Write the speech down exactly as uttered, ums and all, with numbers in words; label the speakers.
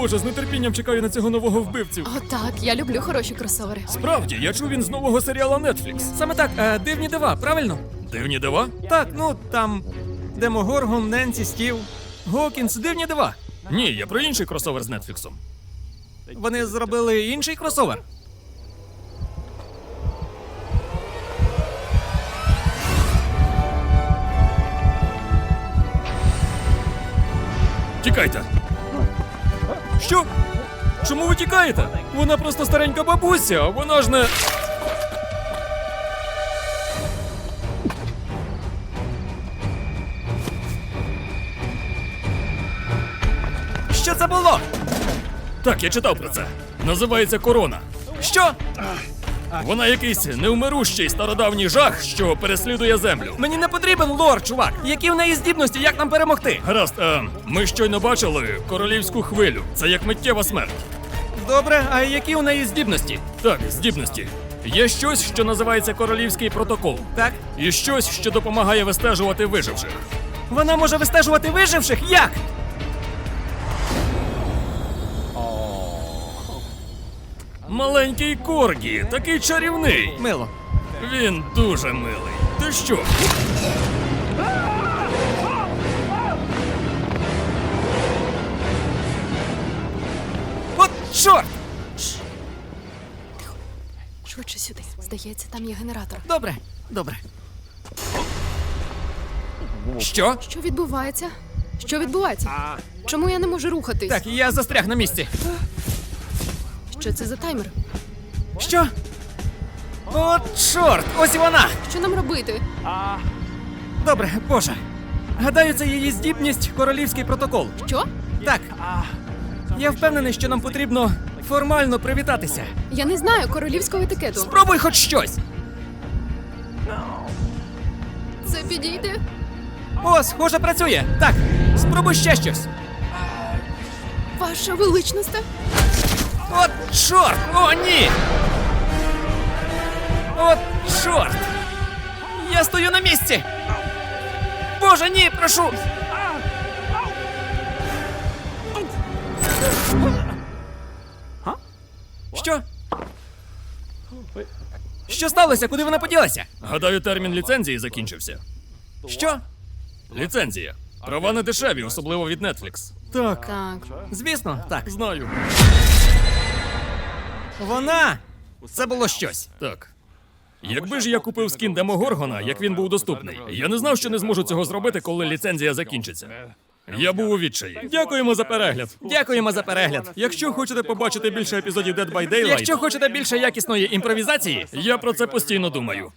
Speaker 1: боже, з нетерпінням чекаю на цього нового вбивцю.
Speaker 2: О, так, я люблю хороші кросовери.
Speaker 1: Справді, я чув він з нового серіалу Netflix.
Speaker 3: Саме так, е, дивні дива, правильно?
Speaker 1: Дивні дива?
Speaker 3: Так, ну там Демогоргон, Ненсі, Стів, Гокінс, дивні дива.
Speaker 1: Ні, я про інший кросовер з Нетфліксом.
Speaker 3: Вони зробили інший кросовер.
Speaker 1: Тікайте! Що? Чому ви тікаєте? Вона просто старенька бабуся, а вона ж не...
Speaker 3: Що це було?
Speaker 1: Так, я читав про це. Називається корона.
Speaker 3: Що?
Speaker 1: Вона якийсь невмирущий стародавній жах, що переслідує землю.
Speaker 3: Мені не потрібен лор, чувак. Які в неї здібності, як нам перемогти?
Speaker 1: Гаразд, е, ми щойно бачили королівську хвилю. Це як миттєва смерть.
Speaker 3: Добре, а які у неї здібності?
Speaker 1: Так, здібності. Є щось, що називається королівський протокол.
Speaker 3: Так?
Speaker 1: І щось, що допомагає вистежувати виживших.
Speaker 3: Вона може вистежувати виживших? Як?
Speaker 1: Маленький Коргі, такий чарівний.
Speaker 3: Мило.
Speaker 1: Він дуже милий. Ти що?
Speaker 3: От чорт!
Speaker 2: Швидше сюди. Здається, там є генератор.
Speaker 3: Добре, добре. Що?
Speaker 2: Що відбувається? Що відбувається? Чому я не можу рухатись?
Speaker 3: Так, я застряг на місці.
Speaker 2: Що це за таймер?
Speaker 3: Що? О, чорт! Ось і вона!
Speaker 2: Що нам робити?
Speaker 3: Добре, боже. Гадаю, це її здібність королівський протокол.
Speaker 2: Що?
Speaker 3: Так. Я впевнений, що нам потрібно формально привітатися.
Speaker 2: Я не знаю королівського етикету.
Speaker 3: Спробуй хоч щось!
Speaker 2: Це підійде?
Speaker 3: О, схоже, працює. Так, спробуй ще щось.
Speaker 2: Ваша величність?
Speaker 3: От чорт! О, ні! От чорт! Я стою на місці! Боже, ні, прошу! Що? Що сталося? Куди вона поділася?
Speaker 1: Гадаю, термін ліцензії закінчився.
Speaker 3: Що?
Speaker 1: Ліцензія. Права не дешеві, особливо від Netflix.
Speaker 3: Так.
Speaker 2: Так.
Speaker 3: Звісно, так.
Speaker 1: Знаю.
Speaker 3: Вона! Це було щось.
Speaker 1: Так. Якби ж я купив скін Демогоргона, як він був доступний, я не знав, що не зможу цього зробити, коли ліцензія закінчиться. Я був у відчаї. Дякуємо за перегляд.
Speaker 3: Дякуємо за перегляд.
Speaker 1: Якщо хочете побачити більше епізодів Dead by Daylight,
Speaker 3: Якщо хочете більше якісної імпровізації,
Speaker 1: я про це постійно думаю.